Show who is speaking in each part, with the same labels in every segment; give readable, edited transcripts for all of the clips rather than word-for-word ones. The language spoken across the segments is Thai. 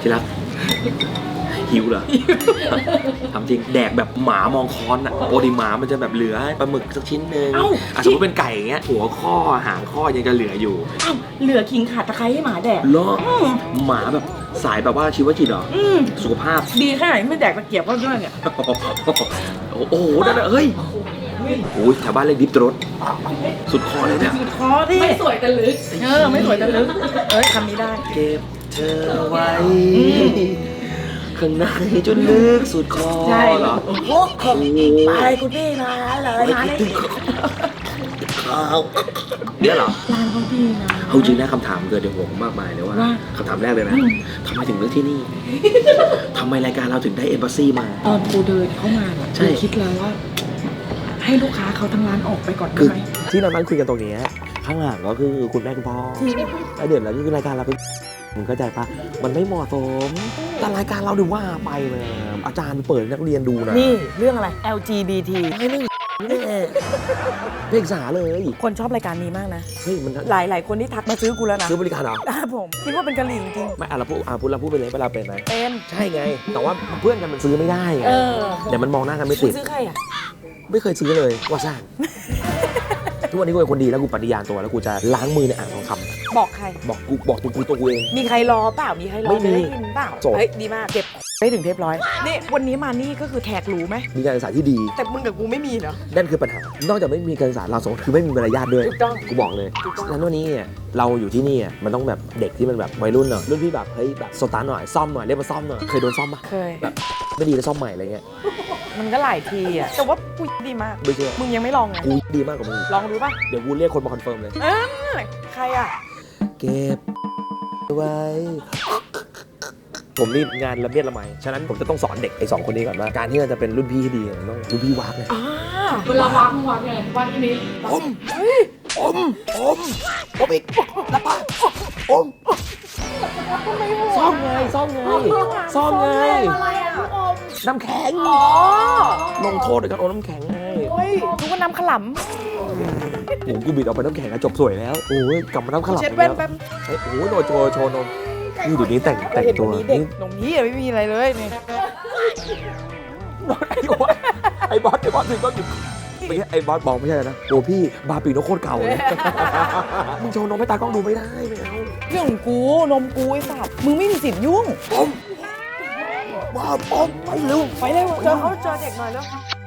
Speaker 1: ที่รักหิวเหรอทำจริงแดกแบบหมามองค้อนอ่ะปกติหมามันจะแบบเหลือปลาหมึกสักชิ้นนึงสมมติเป็นไก่อย่างเงี้ยหัวข้อหางข้อยังจะเหลืออยู่
Speaker 2: เหลือขิงขาดตะไคร้ให้หมาแดก
Speaker 1: เหรอหมาแบบสายแบบว่าชีวจิตเหรอสุขภาพ
Speaker 2: ดีแค่ไหนไม่แดกตะเกียบก็ด้วยเนี่ย
Speaker 1: โอ้โหนั่นเฮ้ยโอ้ยแถวบ้านเรียกดิฟรถสุดคอเลยเนี่ย
Speaker 2: สุดคอที่ไม่สวยแต่ลึกไม่สวยแต่ลึกคำนี้ได้
Speaker 1: เก็บเธอไว้ข้างในจนลึกสุดคอ
Speaker 2: ใช่
Speaker 1: เหรอ
Speaker 2: โอ้โหไปคุณพี่มาเลยมาเลย
Speaker 1: เนี่ยเหรอ
Speaker 2: ร้านเขาดีนะ
Speaker 1: เอาจริงนะคำถามเกิดในหัวผมมากมายเลยว่าคำถามแรกเลยนะทำไมถึงเลือกที่นี่ทำไมรายการเราถึงได้เอมบาซีมา
Speaker 2: ตอนกูเดินเข้ามาแบบคิดแล้วว่าให้ลูกค้าเขาทั้งร้านออกไปก่อนได้ไหม
Speaker 1: ที่เรานั่งคุยกันตรงนี้ข้างหลังก็คือคุณแม่คุณพ่อแล้วเดี๋ยวเราคือรายการเราเป็นมึงเข้าใจปะมันไม่เหมาะสมแต่รายการเราดูว่าไปเลยอาจารย์เปิดนักเรียนดูนะ
Speaker 2: นี่เรื่องอะไร LGBT
Speaker 1: ไม่เรื่องเพศศึกษาเลย
Speaker 2: คนชอบรายการนี้มากนะ
Speaker 1: เฮ้ยมัน
Speaker 2: หลายคนที่ทักมาซื้อกูแล้วนะ
Speaker 1: ซื้อบริการเหรอ
Speaker 2: ผมคิดว่าเป็นกะหรี่จริง
Speaker 1: ไม่เราพูดไปเลยว่าเราเป็นไหม
Speaker 2: เป็น
Speaker 1: ใช่ไงแต่ว่าเพื่อนกันมันซื้อไม่ได้ไงเดี๋ยวมันมองหน้ากันไม่ติด
Speaker 2: ซื้อใครอ่ะ
Speaker 1: ไม่เคยซื้อเลยว่าซ่านทุกวันนี้กูเป็นคนดีแล้วกูปฏิญาณตัวแล้วกูจะล้างมือในอ่างทองคำ
Speaker 2: บอกใคร
Speaker 1: บอกตัวกูเอง
Speaker 2: มีใครรอเปล่ามีใครรอไม่ได้ยินเปล่าเฮ้ยดีมากเก็บได้ถึงเทปร้อยนี่วันนี้มานี่ก็คือแขกรู้ไหม
Speaker 1: มีการศึกษาที่ดี
Speaker 2: แต่มึงกับกูไม่มีเหรอ
Speaker 1: นั่นคือปัญหานอกจากไม่มีการศึกษาเราสองคือไม่มีมารยาทด้วย
Speaker 2: ถูกต้อง
Speaker 1: กูบอกเลยแล้ววันนี้เราอยู่ที่นี่มันต้องแบบเด็กที่มันแบบวัยรุ่นหน่อยรุ่นพี่แบบเฮ้ยแบบสตาร์ทหน่อยซ่อมหน่อยเรียกมาซ่อมหน่อยเคยโดนซ่อมปะ
Speaker 2: เคย
Speaker 1: แบบไม่ดีแล้วซ่อมใหม่อะไรเงี้ย
Speaker 2: มันก็หลายทีอ่ะแต่ว่ากูดีมาก
Speaker 1: ไม่เชื่อ
Speaker 2: มึงยังไม่ลองไง
Speaker 1: กูดีมากกว่ามึง
Speaker 2: ลองดูป่ะ
Speaker 1: เดี๋ยวกูเรียกคนมาคอนเฟิร์มเลย
Speaker 2: ใครอ่ะ
Speaker 1: เก็บไว้ผมนี่งานละเมียดละไมฉะนั้นผมจะต้องสอนเด็กไอ้2คนนี้ก่อนว่าการที่เราจะเป็นรุ่นพี่ที่ดีต้องรุ่นพี่วากเลย
Speaker 2: เวลาวากมึงวากยังไงวากที่นี้
Speaker 1: อมอีกแล้วป้าอมซ่อมไงน้ำแข็งลงโทษด้วยการอมน้ำแข็งไง
Speaker 2: ทุกคนน้ำขล
Speaker 1: ำกูบิดออกไปน้ำแข็งจบสวยแล้วโอ้ยกลับมาน้ำขลำ
Speaker 2: เช็ดแว่นแป๊บ
Speaker 1: โอ้โหโชว์นมนี่เดี๋ยวนี้แต่งตัว
Speaker 2: เด็กนมนี้ไม่มีอะไรเลยนี่
Speaker 1: ไอ้บอสถึงก็หยุดไม่ใช่ไอ้บอสบอกไม่ใช่นะโอ้พี่บาปีโนโคตรเก่าเลยมึงโชว์นมให้ตากล้องดูไม่ได้ไม่เอา
Speaker 2: เรื่องของกูนมกูไอ้สัตว์มึงไม่มีสิทธิ์ยุ่ง
Speaker 1: บ้าไปเร็ว
Speaker 2: เจอเด็กหน่อยแล้ว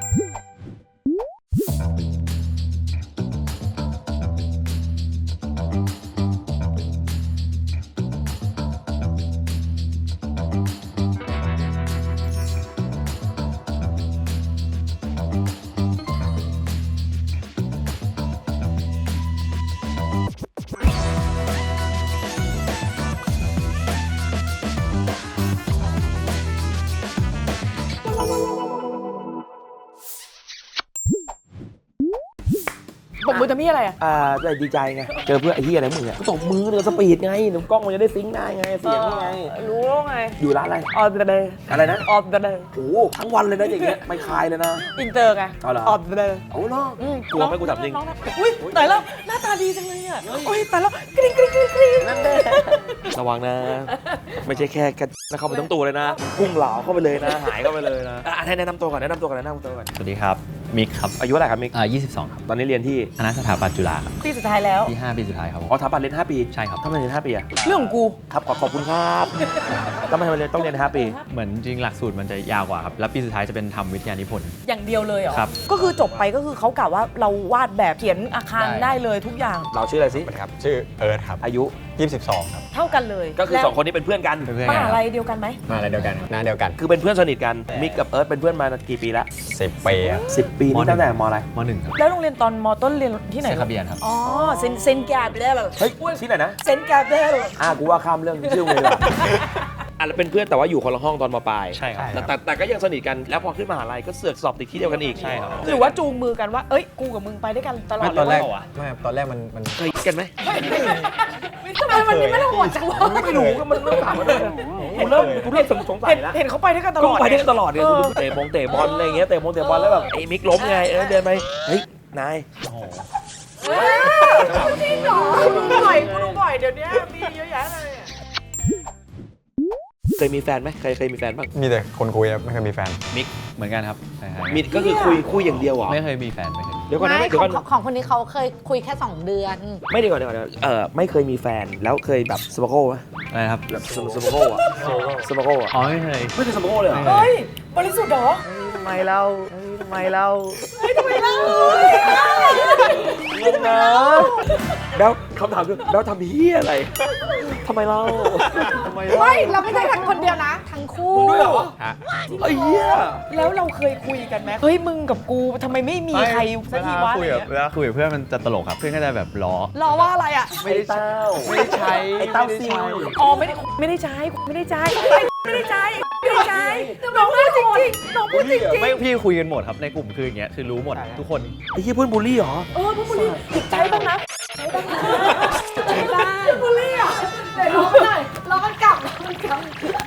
Speaker 2: ตบมือจะมีอะไร
Speaker 1: ดีใจไงเจอเพื่อนไอ้ที่อะไรมึงตบมือเดี๋ยวสปีดไงเดี๋ยวกล้องมันจะได้ซิงค์ได้ไงเสียงไง
Speaker 2: รู้แล้วไง
Speaker 1: อยู่ร้านอะไร
Speaker 2: ออเดย์
Speaker 1: อะไรนะ
Speaker 2: ออเดย์
Speaker 1: โอ้ทั้งวันเลยนะอย่างเงี้ยไม่คลายเลยนะ
Speaker 2: อินเตอร์ไงออเดย์
Speaker 1: โอ้เนาะกลัวไหมกูถามจริง
Speaker 2: อุ้ยตายแล้วหน้าตาดีจังเลยอ่ะโอ้ยตายแล้วกริ๊ง
Speaker 1: นั่นแหละระวังนะไม่ใช่แค่กันนะเข้าไปทั้งตัวเลยนะพุ่งเหลาเข้าไปเลยนะหายเข้าไปเลยนะให้แนะนำตัวก่อน
Speaker 3: สวัสดีครับมิกครับ
Speaker 1: อายุเท่าไหร่ครับมิก
Speaker 3: 22ครับ
Speaker 1: ตอนนี้เรียนที่
Speaker 3: คณะสถาปัตย์จุฬาครับ
Speaker 2: ปีสุดท้ายแล้ว
Speaker 3: ที่5ปีสุดท้ายครับ
Speaker 1: สถาปัตย์เรียน5ปี
Speaker 3: ใช่ครับ
Speaker 1: ทำไมเรียน5ปีอะ
Speaker 2: เรื่องของกู
Speaker 1: ครับขอบคุณครับทำไมเรียนต้องเรียน5ปี
Speaker 3: เหมือนจริงหลักสูตรมันจะยาวกว่าครับแล้วปีสุดท้ายจะเป็นทำวิทยานิพนธ์
Speaker 2: อย่างเดียวเลยเหรอ
Speaker 3: ครับ
Speaker 2: ก็คือจบไปก็คือเขากล่าวว่าเราวาดแบบเขียนอาคารได้เลยทุกอย่าง
Speaker 1: เราชื่ออะไรสิ
Speaker 4: ครับชื่อเอิร์ธครับ
Speaker 1: อายุ
Speaker 4: 22ครับ
Speaker 2: เท่ากันเลย
Speaker 1: ก็คือ2คนนี้เป็นเพื่อนกัน
Speaker 2: มหาลัยเดียวกันไหม
Speaker 4: มหาลัยเดียวกันหน้าเดียวกัน
Speaker 1: คือเป็นเพื่อนสนิทกันมิกกับเอิร์ธเป็นเพื่อนมากี่ปีละ
Speaker 4: 10 ปี
Speaker 1: 10 ปีนี่ตั้งแต่มอะไร
Speaker 3: ม.1 ครับ
Speaker 2: แล้วโรงเรียนตอนม.ต้นเรียนที่ไหน
Speaker 3: เซนคาเบียนครับ
Speaker 2: อ๋อเซนแกาเบล
Speaker 1: เฮ้ยที่ไหนนะ
Speaker 2: เซนแกาเบล
Speaker 1: กูว่าข้ามเรื่องชื่อเลยแล้วเป็นเพื่อนแต่ว่าอยู่คนละห้องตอนม.ปลาย
Speaker 3: ใช่ครับ
Speaker 1: แต่ก็ยังสนิทกันแล้วพอขึ้นมหาลัยก็เสือกสอบติดที่เดียวกันอีก
Speaker 3: ใช่ครับ
Speaker 2: หรือว่าจูงมือกันว่าเอ้ยกูกับมึงไปด้วยกันตลอด
Speaker 4: ตอนแรกไม่ตอนแรกมัน
Speaker 1: เคยกันไหม
Speaker 2: ทำไมมันไม่ได้โหดจังวะ
Speaker 1: ไม่รู้ก็มันเริ่มถามมาเลยกูเริ่มสงสัยแล้ว
Speaker 2: เห็นเขาไปด้วยกันตลอด
Speaker 1: ไปด้วยกันตลอดเนี่ยเตะบอลอะไรเงี้ยเตะบอลแล้วแบบไอ้มิกล้มไงเดินไปเฮ้ยนาย
Speaker 2: จริงเหรอกูดูบ่อยเดี๋ยวนี้มีเยอะแยะเลย
Speaker 1: เคยมีแฟนไหมเคยมีแฟนบ้าง
Speaker 4: มีแต่คนคุยครับไม่เคยมีแฟน
Speaker 3: มิกเหมือนกันครับใช่ๆ
Speaker 1: มีก็คือคุยอย่างเดียวเหรอ
Speaker 3: ไม่เคยมีแฟนไม่เคย
Speaker 1: เดี๋ยวก่อนนะ
Speaker 5: ไม่
Speaker 1: เดี๋ยวก่อน
Speaker 5: ของคนนี้เขาเคยคุยแค่ 2 เดือน
Speaker 1: ไม่เดี๋ยวก่อนไม่เคยมีแฟนแล้วเคยแบบสปาโก้ไหม
Speaker 3: อะไรนะครับ
Speaker 1: แบบสปาโก้อะสปาโก้อะ
Speaker 3: อ๋อไม่เคย
Speaker 1: ไม่เคยสปาโก้เลยเหรอ
Speaker 3: ไม่เคย
Speaker 2: เฮ้ย บริสุทธิ์เหรอ
Speaker 1: ทำไมเราทำไมเรา
Speaker 2: ทำไมเล่า
Speaker 1: งงนะแล้วคำถามคือแล้วทำเฮียอะไรทำไมเราทำไมเรา
Speaker 5: ไม่เราไม่ใช่ทั้งคนเดียวนะ ทั้งคู่
Speaker 1: มึงด้วยเหรอ
Speaker 4: ฮะ
Speaker 1: ไอ้เหี้ย
Speaker 2: แล้วเราเคยคุยกันไหมเฮ้ยมึงกับกูทำไมไม่มีใครสักทีวะ
Speaker 3: คุยกับเวลาคุยกับเพื่อนมันจะตลกครับเพื่อนก็จะแบบล้อ
Speaker 2: รอว่าอะไรอ่ะ
Speaker 1: ไม่ได้เต้า
Speaker 3: ไม่ได้ใช้
Speaker 1: ไอ้เต้าซิล
Speaker 2: อ๋อไม่ได้ใช้ไม่ได้ใช้ไม่ได้ใช้ไม่ได้ใช้น้องพูดจริงๆน้องพูดจริง
Speaker 3: ไม่พี่คุยกันหมดครับในกลุ่มคืออย่างเงี้ยคือรู้หมดทุกคน
Speaker 1: ไอ้เหี้ยเพื่อนบูลลี่เหรอ
Speaker 2: ๆพวกมึงใช้บ้างนะใช้บ้างนะใช้บ้างบุลี่อ่ะ
Speaker 5: เดี๋ยวร้องหน่อยร้องกันกลับร้องกันกลับ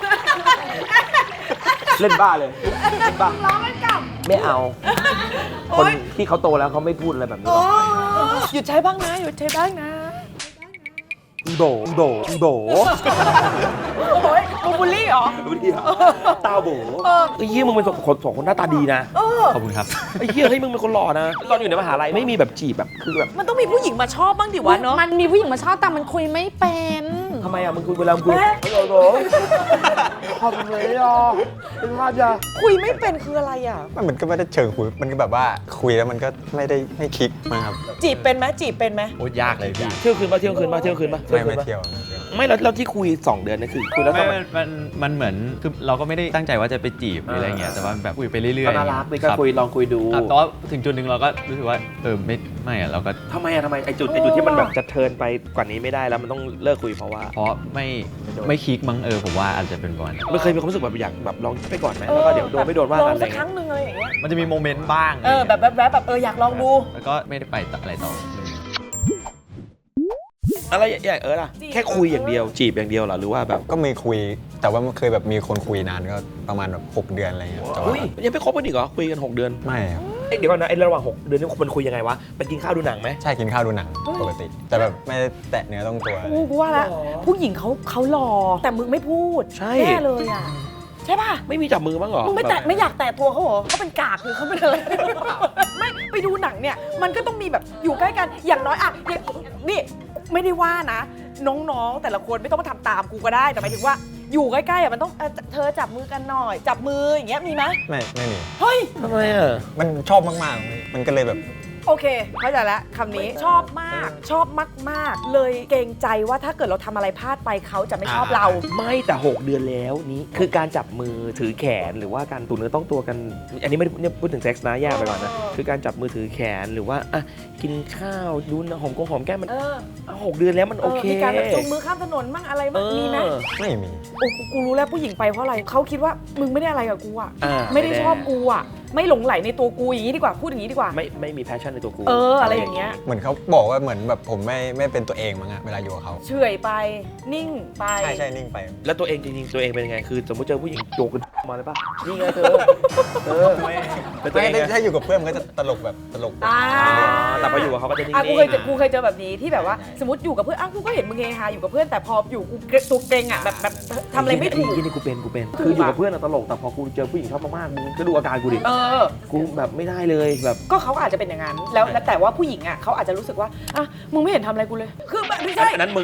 Speaker 1: เล่นบ้าเลยเล่นบ้า
Speaker 5: ร้องกันกลับ
Speaker 1: ไม่เอา คนที่เขาโตแล้วเขาไม่พูดอะไรแบบนี้หรอก
Speaker 2: หยุดใช้บ้างนะหยุดใช้บ้างนะ
Speaker 1: อีโบอีโบอีโบ
Speaker 2: โอ้ยมึงบุลี่เหรอ
Speaker 1: บูลลี่เหรอตาโบไอ้เหี้ยมึงเป็นสองคนหน้าตาดีนะ
Speaker 3: ขอบคุณครับ
Speaker 1: ไอ้เหี้ยเฮ้ยมึงเป็นคนหล่อนะตอนอยู่ในมหาลัยไม่มีแบบจีบแบบคือแบบ
Speaker 2: มันต้องมีผู้หญิงมาชอบบ้างดิวะเนาะ
Speaker 5: มันมีผู้หญิงมาชอบแต่มันคุยไม่เป็น
Speaker 1: ทำไมอ่ะมึงคุยเวลามึงคุยไม่โดนขอบคุณเลยอ่ะเป็นว่าจะ
Speaker 2: คุยไม่เป็นคืออะไรอ่ะ
Speaker 4: มันก็ไม่ได้เชิงคุยมันก็แบบว่าคุยแล้วมันก็ไม่ได้ไม่คลิกนะครับ
Speaker 2: จีบเป็นไหมจีบเป็นไหม
Speaker 3: โอ้ยากเลยพี่
Speaker 1: เที่ยวคืนป่ะเที่ยวคืนป่ะเที่ยวคืนป่ะ
Speaker 4: ไม่เที่ยว
Speaker 1: ไม่แล้วที่คุย2 เดือนนี่คือคุยแล้ว
Speaker 3: ไม่
Speaker 1: ทำไม
Speaker 3: มันเหมือนคือเราก็ไม่ได้ตั้งใจว่าจะไปจีบหรืออะไรเงี้ยแต่ว่าแบบคุยไปเรื่อยๆ
Speaker 1: ก็น่ารักเลยก็
Speaker 3: รับ
Speaker 1: คุยลองคุยดู
Speaker 3: ครับแต่ว่าถึงจุดหนึ่งเราก็รู้สึกว่าไม่อะเราก็
Speaker 1: ทำไมไอจุดที่มันแบบจะเทิร์นไปกว่านี้ไม่ได้แล้วมันต้องเลิกคุยเพราะว่า
Speaker 3: เพราะไม่คลิกมั้งผมว่าอาจจะเป็นประมาณนั้น
Speaker 1: ไม่เคยมีความรู้สึกแบบอยากแบบลองไปก่อนไหมแล้วก็เดี๋ยวโดนไม่โดนว่า
Speaker 2: ล
Speaker 1: กั
Speaker 2: อน ง
Speaker 1: อะไร
Speaker 2: สักค
Speaker 1: เงี้
Speaker 2: รั้
Speaker 1: ย
Speaker 2: งหนึ่งอะไรอย่างเงี้ย
Speaker 3: มันจะมีโมเมนต์บ้าง
Speaker 2: แบบอยากลองดู
Speaker 3: แล้วก็ไม่ได้ไปอะไรต่อ
Speaker 1: อะไรอย่างล่ะแค่คุยอย่างเดียวจีบอย่างเดียวเหรอหรือว่าแบบ
Speaker 4: ก็มีคุยแต่ว่ามันเคยแบบมีคนคุยนานก็ประมาณแบบ6 เดือนอะไรเงี้ยแต่ว่า
Speaker 1: อุ้ยยังไม่คบกันอีกเหรอคุยกัน6 เดือน
Speaker 4: ไม่ครับ
Speaker 1: เดี๋ยวก่อนนะไอ้ระหว่าง6 เดือนนี่มันคุยยังไงวะไปกินข้าวดูหนังไหม
Speaker 4: ใช่กินข้าวดูหนังปกติ แต่แบบไม่ได้แตะเนื้อต้องตัวอะไร
Speaker 2: กูว่าละผู้หญิงเขาหล่อแต่มึงไม่พูด
Speaker 1: ใช่
Speaker 2: แน่เลยอ่ะใช่ป่ะ
Speaker 1: ไม่มีจับมือบ้างเหรอ
Speaker 2: มึงไม่แตะไม่อยากแตะตัวเขาเหรอเขาเป็นกากหรือเขาเป็นอะไร ไม่ไปดูหนังเนี่ยมันก็ต้องมีแบบอยู่ใกล้กันอย่างน้อยอะอย่างนี่ไม่ได้ว่านะ น้องๆแต่ละคนไม่ต้องมาทำตามกูก็ได้แต่หมายถึงว่าอยู่ใกล้ๆอะมันต้องเธอจับมือกันหน่อย จับมืออย่างเงี้ยมีไหม
Speaker 4: ไม่มี
Speaker 2: เฮ้ย
Speaker 1: ทำไมอ่ะ
Speaker 4: มันชอบมากๆมันก็เลยแบบ
Speaker 2: โอเคเข้าใจแล้วคำนี้ชอบมากชอบมากๆ เลยเกรงใจว่าถ้าเกิดเราทำอะไรพลาดไปเขาจะไม่ชอบเรา
Speaker 1: ไม่แต่6 เดือนแล้วนี้คือการจับมือถือแขนหรือว่าการตูเนื้อต้องตัวกัน อันนี้ไม่ได้เนี่ยพูดถึงเซ็กส์นะแยกไปก่อนนะคือการจับมือถือแขนหรือว่าอ่ะกินข้าวดูหอมแก้มมัน 6 เดือนแล้วมันโอเค
Speaker 2: มีการแบบจูงมือข้ามถนนมั่งอะไรมั่งมีไหม
Speaker 4: ไม่มี
Speaker 2: โอ้กูรู้แล้วผู้หญิงไปเพราะอะไรเขาคิดว่ามึงไม่ได้อะไรกับกูอ่ะ
Speaker 1: อ่า
Speaker 2: ไม่ได้ชอบกูอ่ะไม่หลงไหลในตัวกูอย่างนี้ดีกว่าพูดอย่างนี้ดีกว่า
Speaker 1: ไม่มีแพชชั่นในตัวกู
Speaker 2: อะไรอย่างเงี้ย
Speaker 4: เหมือนเขาบอกว่าเหมือนแบบผมไม่เป็นตัวเองมั้งอะเวลาอยู่กับเขา
Speaker 2: เฉอยไปนิ่งไป
Speaker 4: ใช่นิ่งไป
Speaker 1: แล้วตัวเองจริงๆตัวเองเป็นยังไงคือสมมติเจอผู้หญิงโจกันมาเลยป่ะนี่ไงเธอเป็นตัวเอง
Speaker 4: ไม่
Speaker 1: ไง
Speaker 4: ถ้าอยู่กับเพื่อนมันก็จะตลกแบบ
Speaker 2: อ่า
Speaker 1: แต่พออยู่กับเขาก็จะนิ่ง
Speaker 2: กูเคยเจอแบบนี้ที่แบบว่าสมมติอยู่กับเพื่อนกูก็เห็นมึงเฮฮาอยู่กับเพื่อนแต่พออยู่กูตัวเกรงอ่ะแบบทำอะไรไม่ถูก
Speaker 1: นี่กูเป็นคืออยู่กับเพื่อนอะตลกแต่พอกูเจอผู้หญิงชอบมากๆมึงก็ดูอาการกูดิ กูแบบไม่ได้เลยแบบ
Speaker 2: ก็เขาอาจจะเป็นอย่างนั้นแล้วแต่ว่าผู้หญิงอ่ะเขาอาจจะรู้สึกว่าอ่ะมึงไม่เห็นทำอะไรกูเลยคือแบบไม่ใช่
Speaker 1: อันนั้นมึง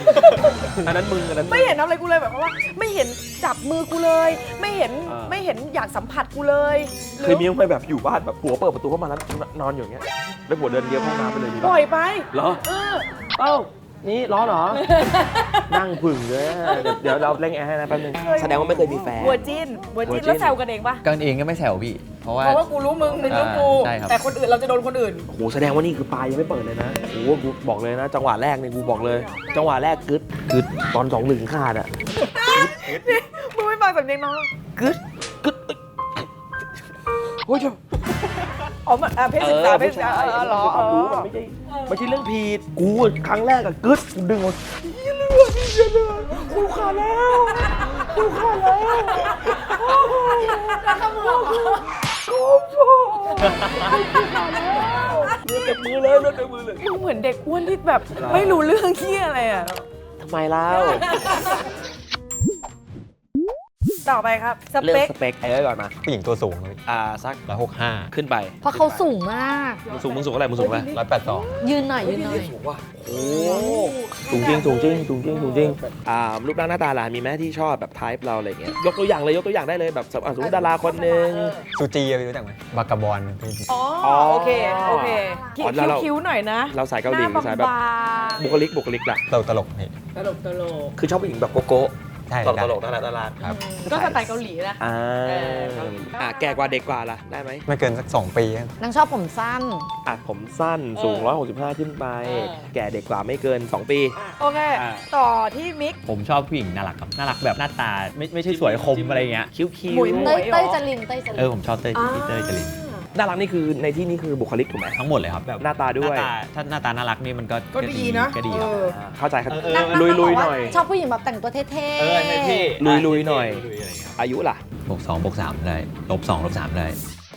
Speaker 2: ไม่เห็นทำอะไรกูเลยแบบว่า ไม่เห็นจับมือกูเลย ไม่เห็นอยากสัมผัสกูเลย
Speaker 1: เคยมีมั้ยแบบอยู่บ้านแบบผัวเปิดประตูเข้ามาแล้วนอนอยู่อย่างเงี้ยแล้วผัวเดินเลี้ยวเข้าน้ำไปเลย
Speaker 2: ปล่อยไป
Speaker 1: เหรอเอ้านี่ร้อนเหรอ นั่งผึ่งเลยเดี๋ยวเราเร่งแอร์ให้นะแป๊บนึงแสดงว่าไม่เคยมีแฟน
Speaker 2: บัวจิ้นแล้วแซวกันเองปะ
Speaker 3: กันเองก็ไม่แซวพี่ เพราะว่า
Speaker 2: เพราะว่ากูรู้มึงรู้กู
Speaker 3: ใช่ครับ
Speaker 2: แต่คนอื่นเราจะโดนคนอื่น
Speaker 1: โอ้โหแสดงว่านี่คือปลายยังไม่เปิดเลยนะโอ้โหกูบอกเลยนะ จังหวะแรกเนี่ยกูบอกเลย จังหวะแรกกึดตอน2-1ขาดอ่ะ
Speaker 2: มึงไม่ฟังสำเนียงน้อง
Speaker 1: กึดโอ้ย
Speaker 2: อ๋อเพศศึกษาเพศศึกษาเหรอ
Speaker 1: ความรู้มันไม่ใช่เรื่องผิดกูครั้งแรกอะกึดกูดึงหมดกูขาดแล้ว
Speaker 2: แล้วก็มึง
Speaker 1: เลือดเต็มมือเลย
Speaker 2: มึงเหมือนเด็กอ้วนที่แบบไม่รู้เรื่องเหี้ยอะไรอ่ะ
Speaker 1: ทำไมเล่า
Speaker 2: ต่อไปครับส
Speaker 1: เลือ
Speaker 2: เป
Speaker 1: ก
Speaker 2: ค
Speaker 1: สเปคไอ้ก่อนมา
Speaker 4: ผู้หญิงตัวสูงพี่
Speaker 1: สัก
Speaker 4: 165
Speaker 1: ขึ้นไป
Speaker 5: เพราะเขาสูงมาก
Speaker 1: มึงสูงอะไรมึงสูงอะไร
Speaker 4: 182
Speaker 5: ยืนหน่อยยืนหน่อย
Speaker 1: สูงว่ะโอ้สูงจริงรูปร่างหน้าตาล่ะมีไหมที่ชอบแบบไทป์เราอะไรเงี้ยยกตัวอย่างได้เลยแบบสมมติดาราคนหนึ่ง
Speaker 4: ซูจีรู้จักไหมบากาบอนพี่
Speaker 2: อ๋อ
Speaker 1: อ๋อ
Speaker 2: โอเคคิ้
Speaker 1: อ๋อแล้วเรา
Speaker 2: วๆหน่อยนะ
Speaker 1: เราสายเกาหลี
Speaker 2: หน้
Speaker 1: สายแบบ
Speaker 2: บาง
Speaker 1: บุคลิกล่ะ
Speaker 4: ตลกพี่
Speaker 2: ๆตลก
Speaker 1: คือชอบผู้หญิงแบบโกโก้
Speaker 4: ใช่
Speaker 1: ตลกน่ารัก
Speaker 4: ครับ
Speaker 2: ก็สไตล์เกาหลีนะ
Speaker 1: อ่า
Speaker 2: เกาหลี
Speaker 1: แก่กว่าเด็กกว่าล่ะได้ไหม
Speaker 4: ไม่เกินสัก 2 ปี
Speaker 5: นางชอบผมสั้น
Speaker 1: ผมสั้นสูง165ขึ้นไป แก่เด็กกว่าไม่เกิน 2 ปี
Speaker 2: โอเค ต่อที่มิก
Speaker 3: ผมชอบผู้หญิงน่ารักครับน่ารักแบบหน้าตาไม่ใช่สวยคมอะไรเงี้ย
Speaker 1: คิ้ว
Speaker 2: หมุย
Speaker 5: เต้ยเต้ยจรินเต้ยจริน
Speaker 3: ผมชอบเต้ยจริน
Speaker 1: น่ารักนี่คือในที่นี้คือบุคลิกถูกไหม
Speaker 3: ทั้งหมดเลยครับแบบ
Speaker 1: หน้าตาด้วย
Speaker 3: ถ้าหน้าตาน่ารักนี่มันก็
Speaker 2: ก็ดีนะ
Speaker 3: ก็ดีครับ
Speaker 1: เข้าใจครับ
Speaker 5: นาง
Speaker 1: ลุย
Speaker 5: บอก
Speaker 1: ๆห
Speaker 5: ว่า
Speaker 1: น่อย
Speaker 5: ชอบผู้หญิงแบบแต่งตัวเท่ๆ
Speaker 1: ลุยๆหน่อย อายุล่ะ
Speaker 3: บวก2บวก3ได้ลบ2ลบ3ได้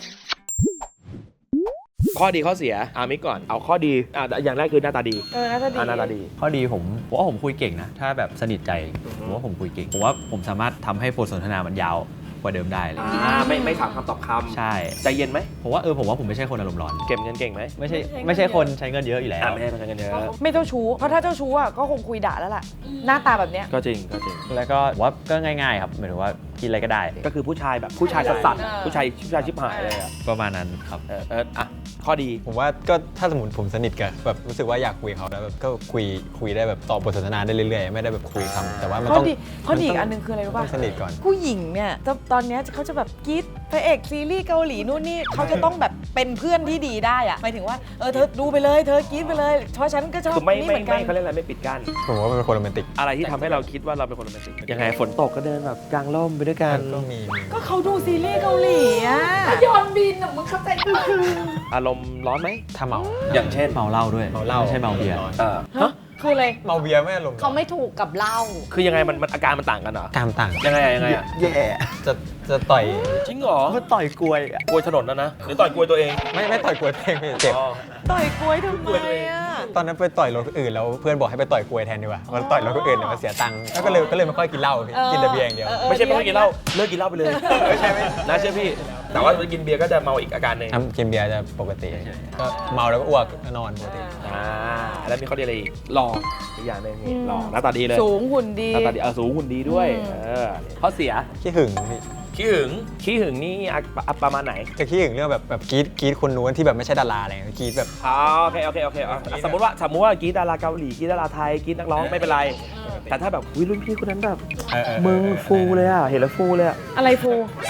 Speaker 1: ข้อดีข้อเสียมิกก่อนเอาข้อดีอย่างแรกคือหน้าตาดี
Speaker 2: น่าจะดี
Speaker 1: หน้าตาดี
Speaker 3: ข้อดีผมว่าผมคุยเก่งนะ ถ้าแบบสนิทใจผมว่าผมคุยเก่งผมว่าผมสามารถทำให้บทสนทนามันยาวกว่าเดิมได้เลย
Speaker 1: ไม่ถามคำตอบคำ
Speaker 3: ใช่
Speaker 1: ใจเย็นไหม
Speaker 3: ผมว่าผมไม่ใช่คนอารมณ์ร้อน
Speaker 1: เก็บเงินเก่งไหม
Speaker 3: ไม่ใช่คนใช้เงินเยอะอยู่แล้ว
Speaker 1: ไม่ใช่คนเงินเยอะ
Speaker 2: ไม่เจ้าชู้ เพราะถ้าเจ้าชู้อ่ะก็คงคุยด่าแล้วล่ะ หน้าตาแบบเนี้ย
Speaker 1: ก็จริง
Speaker 3: แล้วก็ผมว่าก็ง่ายๆครับหมายถึงว่ากินอะไรก็ได้
Speaker 1: ก็คือผู้ชายแบบผู้ชายสัส
Speaker 2: เออ
Speaker 1: ๆผู้ชายชิบหายเลยอ่ะ
Speaker 3: ประมาณนั้นครับ
Speaker 1: ข้อดี
Speaker 4: ผมว่าก็ถ้าสมมติผมสนิทกับแบบรู้สึกว่าอยากคุยเขาแล้วแบบก็คุยได้แบบต่อบทสนทนาได้เรื่อยๆไม่ได้แบบคุยคำแต่ว่ามัน
Speaker 2: ข้อ
Speaker 4: ต้อง
Speaker 2: ดีอีกอันหนึงคืออะไรรู้
Speaker 4: ต้
Speaker 2: ป่ะ
Speaker 4: องสนิทก่อน
Speaker 2: ผู้หญิงเนี่ยตอนเนี้ยเขาจะแบบกรี๊ดพระเอกซีรีส์เกาหลีนู่นนี่เขาจะต้องแบบเป็นเพื่อนที่ดีได้อะหมายถึงว่าเธอดูไปเลยเธอกรี๊ดไปเลยเพราะฉันก็ชอบ
Speaker 1: คือไม่
Speaker 2: นี่เหมือนกัน
Speaker 1: เขาเรียกอะไรไม่ปิดกั้น
Speaker 4: ผมว่าเป็นคนโรแมนติก
Speaker 1: อะไรที่ทำให้เราคิดว่าเราเป็นคนโรแมนติกยังไงฝนตกก็เดินแบบกลางร่มไปด้วยกัน
Speaker 4: ก็มี
Speaker 2: ก็เขาดูซีรีส์เกาหลีอะ
Speaker 5: ยอนบินอ่ะมึงเข้าใจปะ
Speaker 1: อารมณ์ร้อนไหม
Speaker 4: ถ้าเมา
Speaker 1: อย่างเช่น
Speaker 3: เมาเหล้าด้วย
Speaker 4: เมาเหล้า
Speaker 3: ไม่ใช่เมาเบียร์
Speaker 2: ฮะคืออะไร
Speaker 4: เมาเบียร์ไม่อารมณ์
Speaker 5: เขาไม่ถูกกับเหล้า
Speaker 1: คือยังไงมันอาการมันต่างกันเหรอ
Speaker 4: ตามต่าง
Speaker 1: ยังไงอ่ะ
Speaker 4: แย่จะต่อย
Speaker 1: จริงเหรอ
Speaker 3: มันต่อยกลวย
Speaker 1: กลวยถนนนะหรือต่อยกลวยตัวเอง
Speaker 4: ไม่ต่อยกลวยเพลงพี่เจ็บ
Speaker 2: ต่อยกล้วยทำไมอะ
Speaker 4: ตอนนั้นไปต่อยรถคนอื่นแล้วเพื่อนบอกให้ไปต่อยกลวยแทนดีกว่าเพราะต่อยรถคนอื่นเนี่ยมันเสียตังค์แล้วก็เลยไม่ค่อยกินเหล้าพี่กินแต่เบียร์อย่างเดียว
Speaker 1: ไม่ใช่ไม่ต้องกินเหล้าเลิกกินเหล้าไปเลยไม่ใช่น่าเชื่อพี่ แต่ว่ากินเบียร์ก็จะเมาอีกอาการหนึ่ง
Speaker 4: ทำกินเบียร์จะปกติก็เมาแล้วก็อ้วกนอนปกติ
Speaker 1: แล้วมีข้อดีอะไรอีกหล่ออีกอย่างหนึงนี่หล่อหน้าตาดีเลย
Speaker 2: สูงหุ่นดี
Speaker 1: หน้าตาดีสูงหุ่นดีด้วยข้อเสีย
Speaker 4: ขี้หึงพี่
Speaker 1: ขี้หึงนี่ประมาณไหน
Speaker 4: จะขี้หึงเรื่องแบบกรี๊ดคนนู้นที่แบบไม่ใช่ดาราอะไรเงี้ยกรี๊ดแบบ
Speaker 1: โอเคสมมติว่ากรีดดาราเกาหลีกรีดดาราไทยกรีดนักร้องไม่เป็นไร แต่ถ้าแบบรุ่นพี่คนนั้นแบบมึงฟูเลยอ่ะเห็นแล้วฟูเลยอ่ะ
Speaker 2: อะไรฟู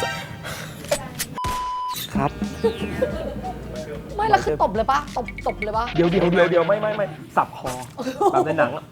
Speaker 1: ครับ
Speaker 5: ไม่แล้วคือตบเลยปะตบเลยปะ
Speaker 1: เดี๋ยวไม่สับคอแบบในหนังอะ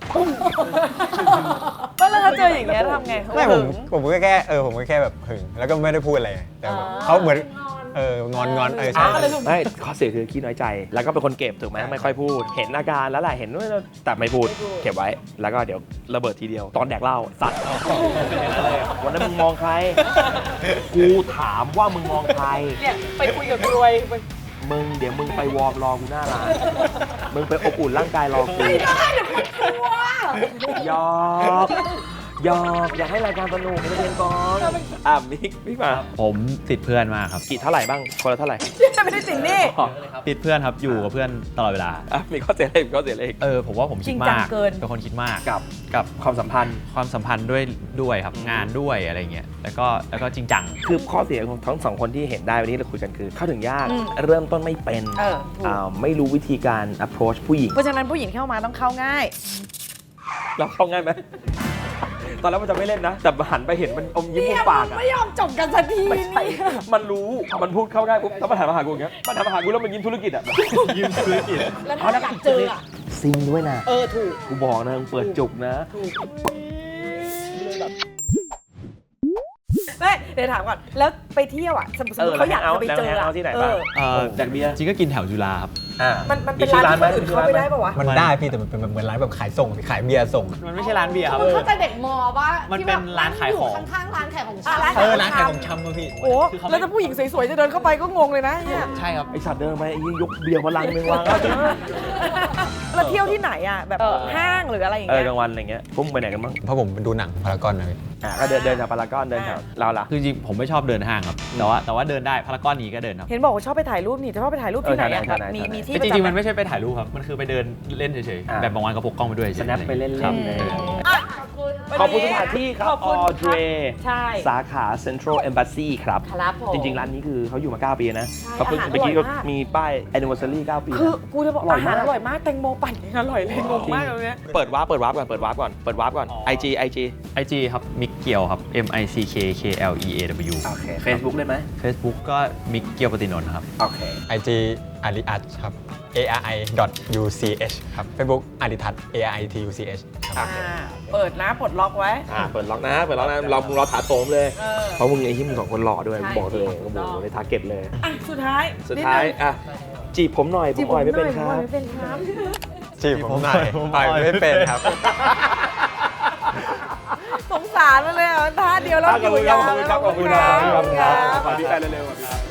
Speaker 2: ก็แล้วถ้าเจออย่างเงี้ยทำไง
Speaker 4: ไม่ผมก็แค่ผมก็แค่แบบหึงแล้วก็ไม่ได้พูดอะไรแต่แบบเขาเหมือนงอนใช่
Speaker 1: ไม่ข้อเสียคือขี้น้อยใจ แล้วก็เป็นคนเก็บถูกไหมไม่ค่อยพูด เห็นอาการแล้วแหละเห็นว่าแต่ไม่พูดเก็บไว้ แล้วก็เดี๋ยวระเบิดทีเดียว ตอนแดกเหล้าสัตว์วันนั้นมึงมองใคร กูถามว่ามึงมองใคร
Speaker 2: เนี่ยไปคุยกับกล้วย
Speaker 1: เดี๋ยวมึงไปวอร์มรอกูหน้าร้าน มึงไปอบอุ่นร่างกายรอกู
Speaker 2: ไม่ได้เดี๋ยวคนกลัว
Speaker 1: หยอกอยากให้รายการสนุกให้เรียนก่อนมิกมา
Speaker 3: ผมติดเพื่อนมากครับ
Speaker 1: กี่เท่าไหร่บ้างคนละเท่าไหร่
Speaker 2: ไม่ได้สินนี่
Speaker 3: ติดเพื่อนครับอยู่กับเพื่อนตลอดเวลา
Speaker 1: มีข้อเสียอะไรอีกข้อเสียอะไรอีก
Speaker 3: ผมว่าผมคิด
Speaker 2: จริงจั
Speaker 3: มาง ก
Speaker 2: เกิน
Speaker 3: เป็นคนคิดมาก
Speaker 1: กับความสัมพันธ์
Speaker 3: ความสัมพันธ์ด้วยครับงานด้วยอะไรเงี้ยแล้วก็จริงจัง
Speaker 1: คือข้อเสียของทั้งสองคนที่เห็นได้วันนี้เราคุยกันคือ เข้าถึงยาก
Speaker 2: อืม
Speaker 1: เริ่มต้นไม่เป็น
Speaker 2: ถูก
Speaker 1: ไม่รู้วิธีการ approach ผู้หญิง
Speaker 2: เพราะฉะนั้นผู้หญิงเข้ามาต้องเข้าง่าย
Speaker 1: เราเข้าง่ายไหม ตอนแรกมันจะไม่เล่นนะ แต่หันไปเห็นมันอมยิ้มมุมปากอะ
Speaker 2: ไม่ยอมจบกันสักที
Speaker 1: ไม่ใช่มันรู้มันพูดเข้าง่ายปุ๊บแล้วมันหันมาหากูอย่างเงี้ยมันหันมาหากูแล้วมันยิ้มธุรกิจอะยิ้มธุรกิจ
Speaker 5: แล้วถ้าอยากเจออ่ะ
Speaker 1: ซิงด้วยนะ
Speaker 2: ถูก
Speaker 1: กูบอกนะมึงเปิดจุกนะ
Speaker 2: ไม่เดี๋ยวถามก่อน แล้วไปเที่ยวอ่ะ สมมติเขาอยากจะไปเจอ
Speaker 1: แล้ว
Speaker 2: อะ
Speaker 1: เอาที่ไหนบ้าง จากเบียร์
Speaker 3: จริงก็กินแถวจุฬาครับ
Speaker 2: มันเป็นร้านที่คนอื่นเข้าไม่ได้ป่าวะ
Speaker 4: มันได้พี่แต่มันเป็นเหมือนร้านแบบขายส่งขายเบียร์ส่ง
Speaker 3: มันไม่ใช่ร้านเบียร์ครับ
Speaker 5: มึงเข้าใจเด็กมอป่ะ
Speaker 3: มัน
Speaker 5: ที่
Speaker 3: เป็
Speaker 5: แบ
Speaker 3: น
Speaker 5: บ
Speaker 3: ร้านขายของ
Speaker 5: ข้างๆร้านขายของ
Speaker 2: อ่ะ
Speaker 5: ชำ
Speaker 4: ร้านขายของชำอะพี่
Speaker 2: โอ้แล้วถ้าผู้หญิงสวยๆจะเดินเข้าไปก็งงเลยนะเนี่ย
Speaker 3: ใช่ครับ
Speaker 1: ไอสัตว์เดินมาไอ้ยกเบียร์มาลังนึงวาง
Speaker 2: แล้วเที่ยวที่ไหนอ่ะแบบห้างหรืออะไรอย่าง
Speaker 1: เออ
Speaker 2: เงี้ย
Speaker 1: กลางวันอะไรเงี้ยพวกมึงไปไหนกันบ้าง
Speaker 4: เพราะผมดูหนังพารากอนนะพี่
Speaker 1: ก็เดินแถวพารากอนเดินแถวเราล่ะ
Speaker 3: คือจริงๆผมไม่ชอบเดินห้างครับ แต่ว่าเดินได้พารากอนนี้ก็เดินครับ
Speaker 2: เห็นบอกว่าชอบไปถ่ายรูปนี่จะชอบไปถ่ายรูปที่ไหนอะ
Speaker 1: เออถ่ายไหน
Speaker 2: มีที่
Speaker 3: จริงๆมันไม่ใช่ไปถ่ายรูปครับ มันคือไปเดินเล่นเฉย
Speaker 1: อ่า
Speaker 3: ๆ แบบบางวันก็พกกล้องไปด้วยเฉยๆ
Speaker 1: snap ไปเล่นๆ
Speaker 3: ครับ
Speaker 1: เลย
Speaker 2: อ่ะ
Speaker 1: ขอบคุณสถานที่ครับ
Speaker 2: ขอบคุณ
Speaker 1: ออเดร
Speaker 2: ใช่
Speaker 1: สาขา Central Embassy ครับ
Speaker 2: ครับผม
Speaker 1: จริง ๆ ร้านนี้คือเขาอยู่มา 9 ปีนะ
Speaker 2: ใช่
Speaker 1: เขาเพิ่ง
Speaker 2: อาหาร
Speaker 1: เมื่อกี้ก็
Speaker 2: อร่อยมาก
Speaker 1: มีป้าย anniversary 9 ปีนะ
Speaker 2: คือกูจะบอก
Speaker 1: อร่อยาก
Speaker 2: อามหารอร่อยมากแตงโมปั่นยังอร่อยเลยงงมากเลยเนี่ย
Speaker 1: เปิดวาร์ปก่อน IG
Speaker 3: IG ครับมิกเกียวครับ MICKKLEAW
Speaker 1: โอเค Facebook ได้ไหม
Speaker 3: Facebook ก็มิกเกียวปฏินนท์ครับ
Speaker 1: โอเค
Speaker 4: IG อาริอัตครับ ARI.UCH ครับ Facebook อาริทัศน์ ARITUCH ครับ
Speaker 2: เปิดนะปลดล็อกไว้
Speaker 1: เปิดล็อกนะเราถาโถมเลย
Speaker 2: เออ
Speaker 1: เพราะมึงไอ้ที่มึงสองคนหล่อด้วย
Speaker 2: ใช่
Speaker 1: บอกตัวเอง
Speaker 2: ถู
Speaker 1: ก็
Speaker 2: ก
Speaker 1: บ
Speaker 2: ต้
Speaker 1: อ
Speaker 2: อก ง
Speaker 1: ในทาร์เก็ตเลย
Speaker 2: อ่ะสุดท้าย
Speaker 1: สุดท้าย
Speaker 2: นินึง
Speaker 1: อ่ะจีบผมหน่อยผมอ่อยไม่เป็นครับ
Speaker 2: ไม่เป็นครับ
Speaker 4: จีบผมหน่อยอ่อยไม่เป็นครับ
Speaker 2: สงสารมันเลยอ่ะท่าเดียวแล้วอยู่ยาว
Speaker 1: ขอบคุณครับ
Speaker 2: ขอบคุณครับ
Speaker 1: ขอพี่แฟนเร็วๆ